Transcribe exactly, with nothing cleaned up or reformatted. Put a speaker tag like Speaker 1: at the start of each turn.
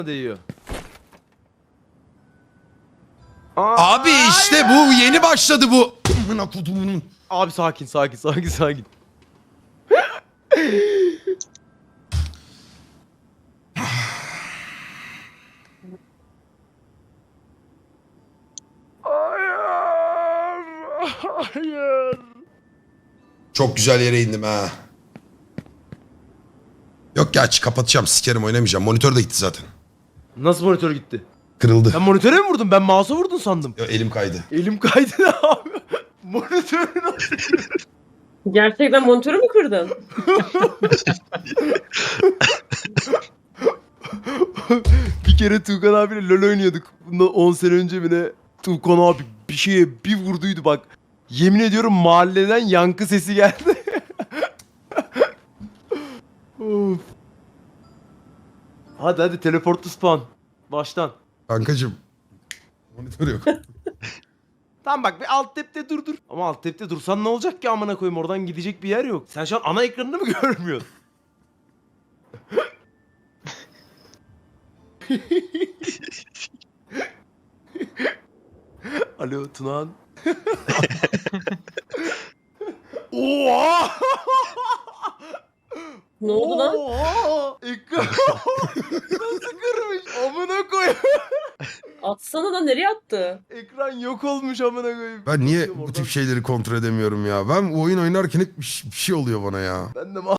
Speaker 1: değiyor.
Speaker 2: Abi işte bu yeni başladı bu. Amına kodumunun.
Speaker 1: Abi sakin sakin sakin sakin. Hayır. Hayır.
Speaker 2: Çok güzel yere indim ha. Yok ya aç kapatacağım sikerim oynamayacağım. Monitör de gitti zaten.
Speaker 1: Nasıl monitör gitti?
Speaker 2: Kırıldı.
Speaker 1: Sen monitöre mi vurdun? Ben mouse'a vurdun sandım.
Speaker 2: Yo, elim kaydı.
Speaker 1: Elim kaydı ne abi? Monitörü nasıl?
Speaker 3: Gerçekten monitörü mü kırdın?
Speaker 1: Bir kere Tuğkan abiyle LoL oynuyorduk. Bundan on sene önce mi ne? Tuğkan abi bir şeye bir vurduydu bak. Yemin ediyorum mahalleden yankı sesi geldi. Of. Hadi hadi teleportlu spawn. Baştan.
Speaker 2: Kankacım. Monitör yok.
Speaker 1: Tamam bak bir alt tepte dur dur. Ama alt tepte dursan ne olacak ki amına koyayım, oradan gidecek bir yer yok. Sen şu an ana ekranını mı görmüyorsun? Alo Tunan. Oha!
Speaker 3: Ne oldu lan?
Speaker 1: Oha! Ekran nasıl kırmış? Amına koyayım.
Speaker 3: Atsana da nereye attı?
Speaker 1: Ekran yok olmuş amına koyayım.
Speaker 2: Ben niye
Speaker 1: Bakıyorum
Speaker 2: bu
Speaker 1: oradan.
Speaker 2: tip şeyleri kontrol edemiyorum ya? Ben oyun oynarken hep bir şey- bir şey oluyor bana ya.
Speaker 1: Ben de